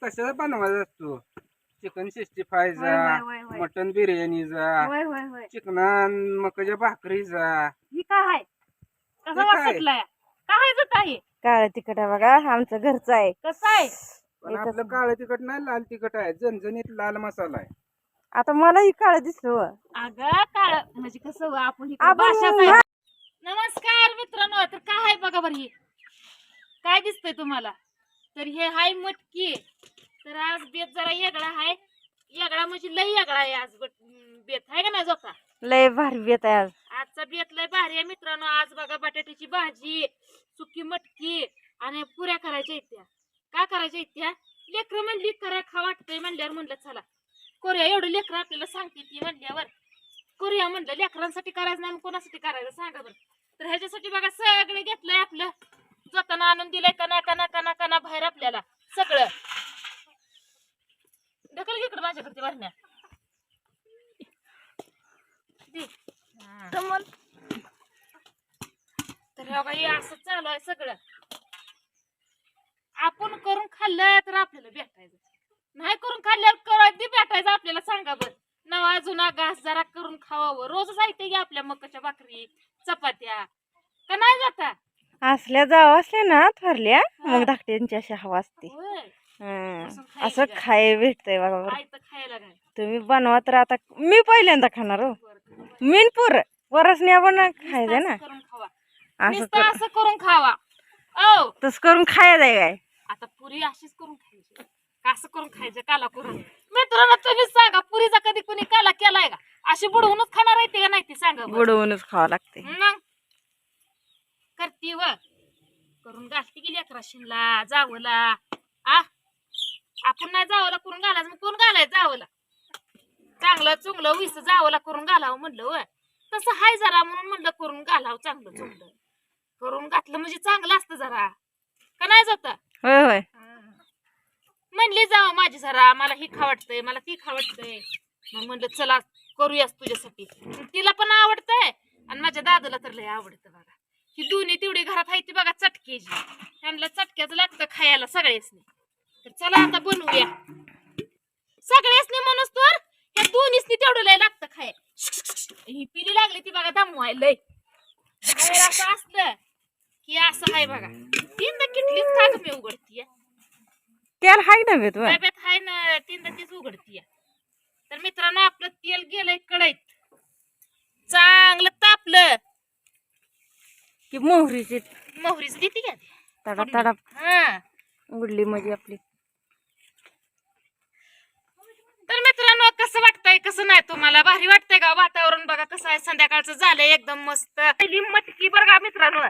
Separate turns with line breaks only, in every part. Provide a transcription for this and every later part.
कशाला बनवायचा असतो चिकन 65
होय,
जा
होय, होय.
मटन बिर्याणी जा
होय होय होय
चिकन मकाच्या भाकरी जा
ही काय आहे कसं
हे काय?
वाटतंय काय जात आहे
काळ तिखट आहे बघा आमचं घरचं आहे.
कसं आहे
पण आपलं काळं तिखट नाही लाल तिखट आहे झणझणीत लाल मसाला आहे.
आता मलाही काळ दिसलं.
अगं काळ म्हणजे कसं हो, आपण इकडे
आपण
भाषाच आहे. नमस्कार मित्रांनो तर काय आहे बघा बरं ही काय दिसतंय तुम्हाला तर हे हाय मटकी तर आज बेत जरा वेगळा आहे वेगळा म्हणजे लई वेगळा आहे आज बेत आहे का नाही जोका
लय भारी बेत आहे आज.
आजचा बेत लय भारी आहे मित्रांनो आज बघा बटाट्याची भाजी सुकी मटकी आणि पुऱ्या करायच्या इत्या काय करायच्या इत्या लेकर म्हणली करा खा वाटतंय म्हणल्यावर म्हणलं चला करूया एवढं लेकर आपल्याला सांगते ती म्हणल्यावर करूया म्हणलं लेकरांसाठी करायचं नाही कोणासाठी करायचं सांगा बरं तर ह्याच्यासाठी बघा सगळं घेतलंय आपलं जाताना आणून दिलंय कना कना कना कना बाहेर आपल्याला सगळं ढकल इकडं माझ्याकडे भरण्या तर हे बघा हे असं चालू आहे सगळं आपण करून खाल्लं तर आपल्याला भेटायचं नाही करून खाल्ल्यावर कधी भेटायचं आपल्याला सांगा बरं नवा जुना घास जरा करून खावावं रोजच ऐकते की आपल्या मकाच्या भाकरी चपात्या का नाही जाता
असल्या जाव असल्या ना थरल्या मग धाकट्यांची अशी हवा असते.
होय
असं खाय भेटतंय बघा बरं.
आयतं खायला काय
तुम्ही बनवा तर आता मी पहिल्यांदा खाणार हो मीनपूर वरसने आपण खायचं ना
करून खावा
असं
नुसतं असं करून खावा ओ
तस करून खायचं आहे काय
आता पुरी अशीच करून खायची का असं करून खायचं काला करून मित्रांनो तुम्ही सांगा पुरीचा कधी कुणी काला केलाय का अशी बुडवूनच खाणार आहे ते का नाही ते सांगा बरं.
बुडवूनच खावं लागते.
मग करती व करून घालती गेली अकरा शिनला जावला आ आपण नाही जावला करून घालायचं मग कोण घालायचं जावला चांगलं चुंगलं विस जावला करून घालावं म्हणलं व तसं हाय जरा म्हणून म्हणलं करून घालावं चांगलं चुंगलं करून घातलं म्हणजे चांगलं असतं जरा का नाही जात
होय होय
म्हणली जावं माझी जरा मला ही खावटतंय मला ती खावटतंय मग म्हणलं चला करूयास तुझ्यासाठी तिला पण आवडतंय आणि माझ्या दादाला तर लय आवडतं बघा ही दोन्ही तेवढी घरात आहे ती बघा चटकेची त्यांना चटक्याचं लागतं खायला सगळ्यासनी तर चला आता बनवूया सगळ्यासनी म्हणूस तर ह्या दोन्हीसनी तेवढं लय लागतं खाय ही पिली लागली ती बघा दमवाय लय बाहेर असं असलं की असं आहे बघा तीनदा किटलीच का मी उघडतीय
त्याला हाय ना बेत होय.
डब्यात हाय ना तीनदा तीच उघडतीय तर मित्रांनो आपलं तेल गेलंय कढईत चांगलं तापलं
की मोहरीची
मोहरीच देते का
तडा तडा
हा
उडली म्हणजे आपली.
तर मित्रांनो कसं वाटतंय कसं नाही तुम्हाला भारी वाटतंय का वातावरण बघा कसं आहे संध्याकाळचं झालंय एकदम मस्त पहिली मटकी बघा मित्रांनो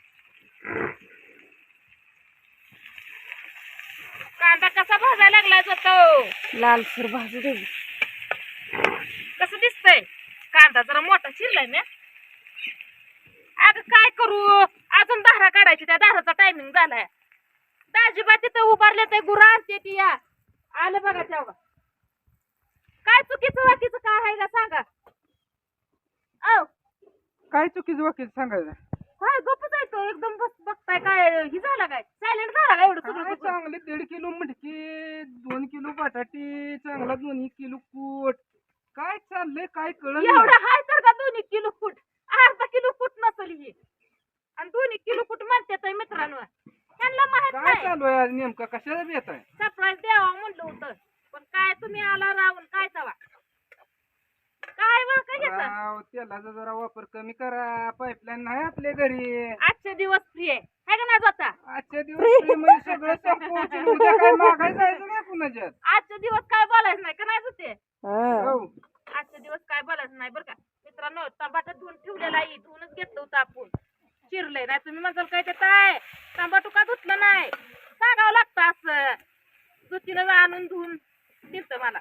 कांदा कसा भाजायला लागलाय जातो
लालसर भाजू दे.
कसं दिसतंय कांदा जरा मोठा चिरलाय ना अगं काय करू अजून दारा काढायची त्या दाराचा टायमिंग झालाय दाजीबा तिथं उभारले ते गुरा आणते ती या आलं बघा तेव्हा काय चुकीचं वाकीचं काय आहे का सांगा औ
काय चुकीचं वकील सांगायचं
काय गप्पच आहे तो एकदम बस बघताय काय ही झाला काय सायलेंट झाला काय एवढं सगळं
काय
बघून?
चांगले 1.5 किलो मटकी 2 किलो बटाटे चांगला 2 किलो कूट काय चाललंय काय कळलं
एवढं हाय तर का 2 किलो फूट अर्धा किलो फूट नसेल ही आणि 2 किलो फूट म्हणतात मित्रांनो त्यांना माहित
काय
नाही
चालू आहे आज नेमका कशाला बेत आहे
सरप्राईज द्यावा म्हणलं होतं पण काय तुम्ही आला राहून काय तवा काय बरं काय घेता
राव, तेलाचा जरा वापर कमी करा पाईपलाईन नाही आपल्या घरी
आजचे दिवस फ्री आहे हाय का नाही जाता
आजच्या दिवस free मध्ये सगळं संपवून उद्या काय मागायला जायचं नाही कुणाच्यात
आजचे दिवस काय बोलायचं नाही का नाही जाते
हा.
हो.
आजचे दिवस काय बोलायचं नाही बरं का मित्रांनो टमाटा धुवून ठेवलेला आहे धुवूनच घेतलं होतं आपण चिरलंय नाही तुम्ही म्हणताल काय ते काय टमाटो का धुतलं नाही सांगावं लागतं असं दुधीनं आणून धुवून दिलतं मला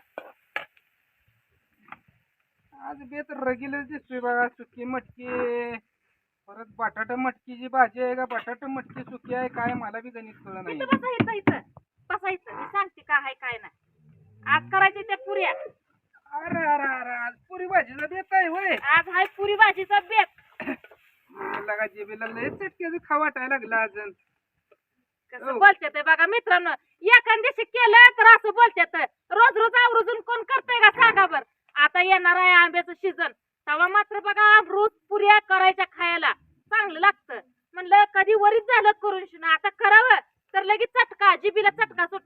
आज बेत रगीलच दिसतोय बघा सुकी मटकी परत बटाटा मटकीची भाजी आहे का बटाटा मटकी सुकी आहे काय मला बी गणित कळलं नाही
इथं बसायचं इथं बसायचं मी सांगते काय आहे काय नाही आज करायचे त्या पुऱ्या
अरे अरे अरे आज पुरी भाजीला बेत आहे होय
आज हाय पुरी भाजीचा बेत
लगा जेबीला लय चटक्याचं खा वाटायला लागला अजून
कसं बोलते ते बघा मित्रांनो एखाद दिवशी केलं तर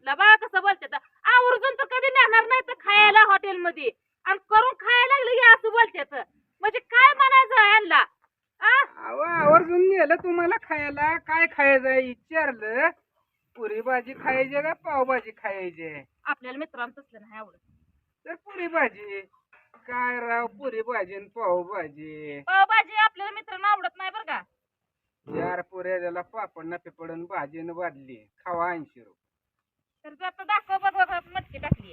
ला बघा कसं बोलतात आवर्जून तर कधी नेणार नाही तर खायला हॉटेलमध्ये आणि करून खायला लागलं की असं बोलतात म्हणजे काय म्हणायचं ह्यांना
अहो आवर्जून नेलं तुम्हाला खायला काय खायचंय विचारलं पुरी भाजी खायची का पावभाजी खायची
आपल्याला मित्रांनो तसलं नाही आवडत
तर पुरी भाजी काय राव पुरी भाजी आणि पावभाजी
पावभाजी आपल्याला मित्रांनो आवडत नाही बरं का
4 पुऱ्या त्याला पापड न पिपडून भाजीनं बादली खावा 80 रुपये
तर आता दाखव बघ मटकी टाकली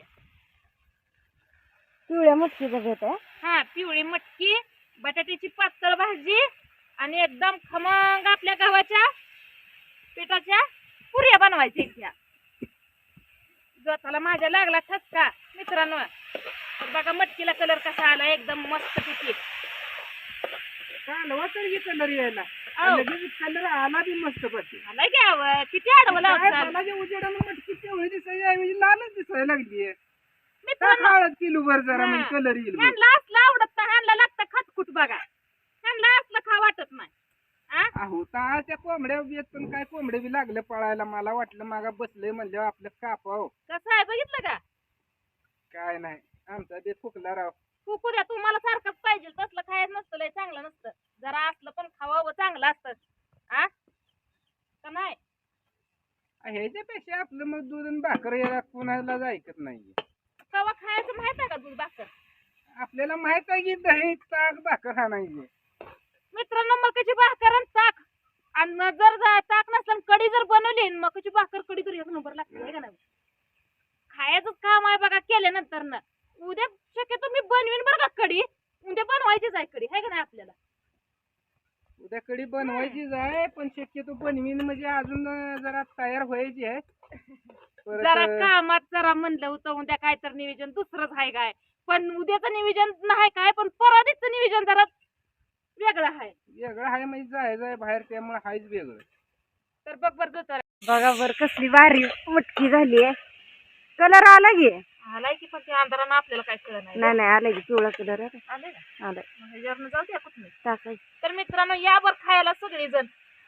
पिवळ्या मटकीचा घेत आहे
हा पिवळी मटकी बटाट्याची पातळ भाजी आणि एकदम खमंग आपल्या गव्हाच्या पिठाच्या पुऱ्या बनवायच्या इथ्या जोताला माझ्या लागला ठसका मित्रांनो तर बघा मटकीला कलर कसा आला एकदम मस्त पिठी
कालवा तर कलर यायला
अहो.
लगेच कलर आला बी मस्त पडते
आलाय घ्यावं किती आडवं लावचाल
मला जे उजेडानं मटकी तेवढी दिसायची ऐवजी लालच दिसायला लागली
मित्रांनो
हळद किलो वर जरा
हा.
म्हणजे कलर येईल बघ.
ह्यांना असलं आवडत नाही ह्यांना लागतं खटखुट बघा ह्यांना असलं खा वाटत नाही
अहो ता त्या कोंबड्या येत पण काय कोंबडे बी लागले पळायला मला वाटलं मागा बसलंय म्हणल्यावर आपलं कापाव
कसं आहे बघितलं का
काय नाही आमचा बी फुकला राव
फुकू द्या तुम्हाला सारखंच पाहिजे तसलं खायचं नसतं लय चांगलं नसतं जरा असलं पण खावावं चांगलं असतं का नाही
ह्याच्यापेक्षा आपलं मग दूध आणि भाकर याला कुणालाच ऐकत नाही
कवा खायचं माहित आहे का दूध भाकर
आपल्याला माहित आहे की दही ताक भाकर हा नाही
मित्रांनो मकाची भाकर आणि ताक आणि जर ताक नसलं कढी जर बनवली आणि मकाची भाकर कढी तर एक नंबर लागते है का नाही खायचंच काम आहे बघा केल्यानंतर ना उद्या शक्यतो मी बनवीन बरं का कढी उद्या बनवायचीच आहे कढी है का नाही आपल्याला
उद्या कडी बनवायचीच आहे पण शक्यतो बनवीन म्हणजे अजून जरा तयार व्हायची आहे
जरा
परत
कामात जरा म्हणलं होतं उद्या काय तर नियोजन दुसरंच आहे काय पण उद्याचं नियोजन नाही काय पण परादीचं नियोजन जरा वेगळं आहे
वेगळं आहे म्हणजे जायचं आहे बाहेर त्यामुळे हायच वेगळं
तर बघ बरं जोतर
बघा बर कसली भारी मटकी झाली आहे कलर आला की
आलाय की पण ते अंधारानं आपल्याला काय कळलं नाही
नाही नाही आला की पिवळा कलर
आलंय का
आलाय
मग ह्याच्यावरनं जाऊ द्या कुठं
टाकायचं
तर मित्रांनो यावर खायला सगळेजण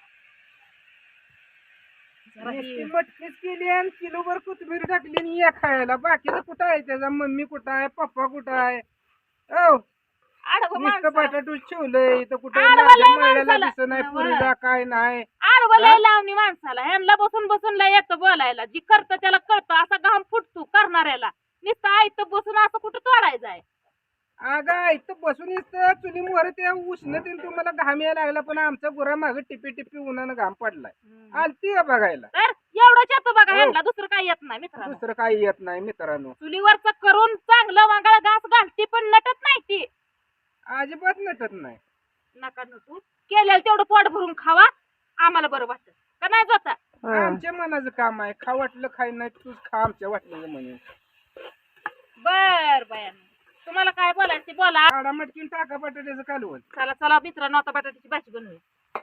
जरा
नुसती
ही-
मटकीच केली आणि किलोभर कोथिंबीर टाकली आणि या खायला बाकीचं कुठं आहे त्याचा मम्मी कुठं आहे पप्पा कुठं आहे ओ
आडवं
नुसतं
माणसाला-
बटाटू ठेवलंय इथं कुठं
आडवं
माझ्या
लय
मळ्याला
माणसाला.
दिसत नाही
नवं.
पुरीला काय नाही
आडवं लय लावणी माणसाला ह्यांना बसून बसून लय येतं बोलायला जी करतं त्याला कळतं असा घाम फुटतो करणाऱ्याला नुसतं आयतं बसून असं कुठं तोडायचं आहे
अगं इथं बसून इथं चुली मोहर त्या उष्णतेने तुम्हाला घाम यायला लागला पण आमचा गुरा मागे टिपी टिपी उन्हानं घाम पडलाय आलती का बघायला
तर एवढंच येतं बघा
हो.
ह्यांना दुसरं काही येत नाही मित्रांनो
दुसरं काही येत नाही मित्रांनो
चुलीवरचं करून चांगलं वांगाळ घास घालती पण नटत नाही ती
अजिबात नटत नाही
नका नटू केलेलं तेवढं पोट भरून खावा आम्हाला बरं वाटत का नाही जाता
आमच्या मनाचं काम आहे खा वाटलं खाय नाही तूच खा आमच्या वाटलं म्हणून
बर बयान तुम्हाला काय बोलायचं ते बोला
काढा मटकीन टाका बटाट्याचं कालवण
चला चला मित्रांनो आता बटाट्याची भाजी बनवूया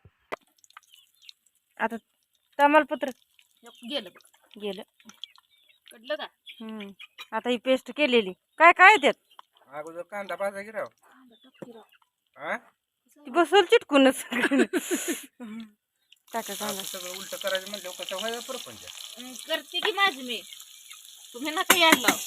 आता तमालपत्र
गेलं बघ.
गेलं
कळलं का
आता ही पेस्ट केलेली काय काय त्यात
अगोदर कांदा भाजा की राव हा?
ती बसवल चिटकूनच टाका
असं
कांदा
सगळं उलट करायचं म्हणलं कसं व्हायचं प्रपंच
करते की माझी मी तुम्ही नका यायला लाव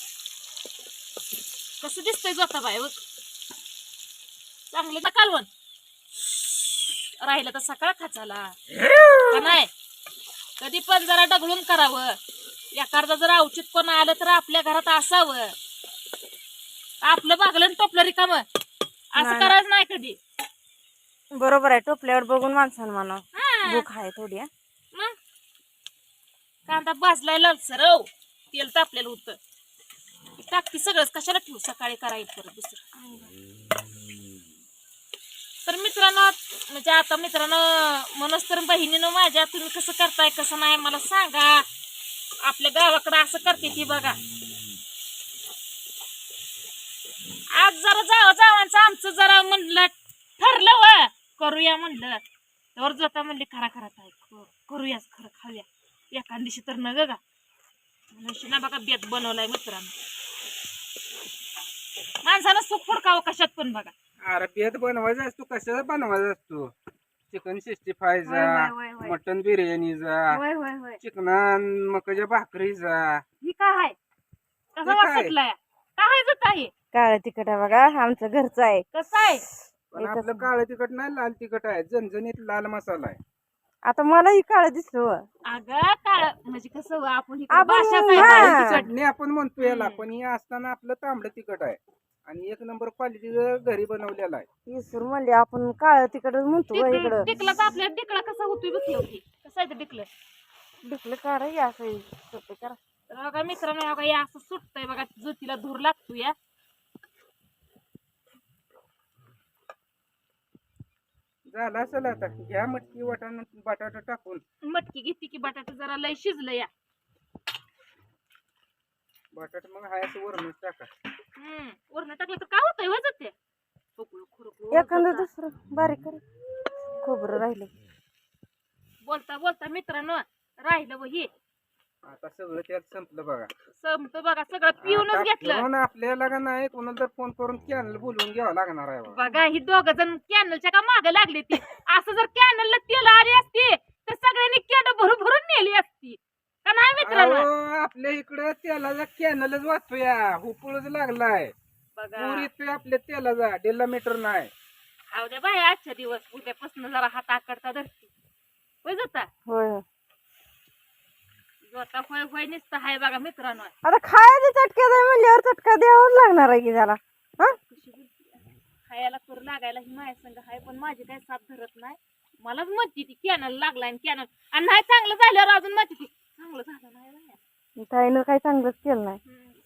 कसं दिसतंय जोता बाय बघ चांगलं तर कालवण राहिलं तर सकाळ खाचाला का नाही कधी पण जरा डगळून करावं एखादा जर औचित कोण आलं तर आपल्या घरात असावं आपलं भागलं आणि टोपलं रिकाम असं
नाही.
करायचं नाही कधी
बरोबर आहे टोपल्यावर बघून माणसानं म्हणा
हा.
भूक आहे थोडी हा.
मग कांदा भाजलाय लालसर हो तेल तापलेलं होतं टाकती सगळंच कशाला ठेवू सकाळी करायचं परत दुसरं तर मित्रांनो म्हणजे आता मित्रांनो मनोज तर बहिणीनं माझ्या तुम्ही कसं करताय कसं नाही मला सांगा आपल्या गावाकडे असं करते ती बघा आज जरा जावांचं आमचं जरा म्हणलं ठरलं व करूया म्हणलं तर जोता म्हणली खरा खरा काय करूयाच खरं खाऊया एका दिवशी तर न गा ना बघा बेत बनवलाय मित्रांनो माणसानं सुख फुडकावं कशात पण बघा
अरे बेत बनवायचा असतो कशाला बनवायचा असतो चिकन 65
होय, होय, होय, होय.
मटन बिर्याणीचा
होय होय होय
चिकनान मकाच्या भाकरीचा.
ही काय आहे कसा
हे
वास
काय?
सुटलाय काय जात आहे
काळं तिखट आहे बघा आमचं घरचं आहे
कसं आहे
पण
एकच
आपलं काळं तिखट नाही, लाल तिखट आहे. झणझणीत लाल मसाला आहे.
आता मलाही काळं दिसलं हो.
अगं काळ म्हणजे कसं हो, आपण इकडं
आपण-
भाषाच आहे
हा.
काळी तिखट.
चटणी आपण म्हणतो याला,
हम्म.
पण हे असताना आपलं तांबडं तिखट आहे आणि 1 नंबर क्वालिटीचं घरी बनवलेलं आहे.
इसर म्हणले आपण काळं तिखटच म्हणतो बा इकडं
टिकला तर आपल्या टिकला कसा होतोय बघ होती कसं आहे ते टिकलं
दिसलं काढ असं सोपं करा.
तर बघा मित्रांनो बघा या असं सुटतंय बघा ज्योतीला धूर लागतो या
झालं असेल आता. घ्या मटकी वाटाणा बटाटा टाकून.
मटकी घेतली की बटाटा जरा लय शिजलं या
बटाटा मग हाय असं वरणच टाका.
वरण टाकलं तर काय होतंय वजत ते पकडू खुरपू
एखादं दुसरं बारीक कर खोबरं राहिले
बोलता बोलता मित्रांनो राहिलं व हे
आता सगळं त्यात संपलं बघा.
संपतं बघा सगळं पिऊनच
आता
घेतलं
पिऊन आपल्याला का नाही कोणाला तर फोन करून कॅनल बोलवून घ्यावं लागणार आहे बघा.
बघा ही दोघ जण कॅनलच्या का मागे लागले ते असं जर कॅनलला तेल आली असती तर सगळ्यांनी केड भरून भरून नेली असती का नाही मित्रांनो
अहो, आपल्या इकडं तेलाचा कॅनलच वाचतोया. हुपळच लागलाय.
बघा
पूर येतोय आपल्या तेलाचा. 1.5 मीटर नाही.
खाऊ द्या बाय आजच्या दिवस उद्यापासून जरा हात आकडता धरती होय जाता
होय होय.
जोता होय होय नुसतं हाय बघा मित्रांनो
आता खायचं चटक्या जाय म्हणल्यावर चटका द्यावाच लागणार आहे की त्याला हा
कशी बोलते खायला करू लागायला ही माझ्या संग हाय पण माझी काय साथ धरत नाही मलाच म्हणते ती कॅनल लागलाय कॅनल आणि नाही चांगलं झाल्यावर अजून म्हणते ती चांगलं झालं नाही बाया.
ताईनं काही चांगलंच केलं नाही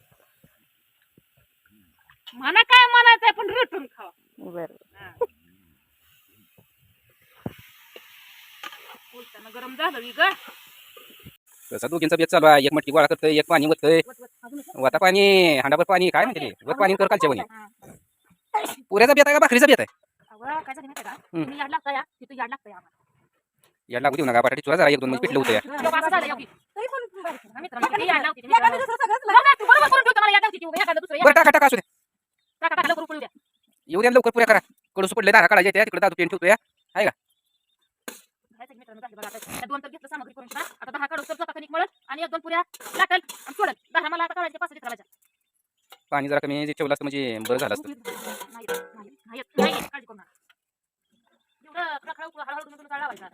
म्हणा काय म्हणायचंय पण रेटून खावा
बरं
हा. बोलताना गरम झालं की ग
तसा दोघींचा बेत चालू आहे. एक मटकी गोळा करतोय, एक पाणी वतय. वता पाणी हांडाभर पाणी काय म्हणते ते? वर पाणी कर कालच्या पाणी. पुऱ्याचा बेत आहे का भाकरीचा बेत आहे?
अगं काय झालं माहिती आहे का तुम्ही याड लागता या तिथं याड लागतं आम्हाला
याड लागू देऊ नका. बटाटी चुरा जरा 1-2 पिठलं होतं या.
बाबा असं झालं योगी. तरी पण मित्रांनो किती याड लावते ती मित्रांनो. बघा, तू बरोबर करून ठेवतो मला याड लावते ती. एखादं दुसरं याड.
बरं टाका असू दे.
टाका टाका लवकर पळू द्या.
येऊ द्या लवकर पुऱ्या करा. कडूस पडले दारा काढायचे त्या तिकडे दादू पेन ठेवतो या. आहे का?
खायचं मित्रांनो झालं बघा आता. त्या 2 तर घेतलं सामग्री करून ठेवा. आता 10 काढू तर स्वतः कणिक मळल आणि 1-2 पुऱ्या लाटल आणि सोडल. 10 मला आता काढायचे 5 लिटर भाज्या.
पाणी जरा कमी जे ठेवलं असतं म्हणजे बरं झालं असतं.
नाही काळजी करू नका. एवढं खळखळ उकळू हळूहळू तुम्ही तुम्ही लावायचा.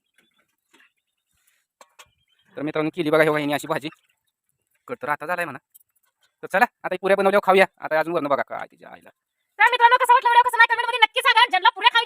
तर मित्रांनो केली बघा हे वाहिनी अशी भाजी. कट तर आता झालाय म्हणा. तर चला आता पुऱ्या बनवल्यावर खाऊया. आता अजून वरण बघा काय तिच्या आईला.
तर मित्रांनो कसं वाटलं व्हिडिओ कसं नाही कमेंट मध्ये नक्की सांगा. ज्यांना पुऱ्या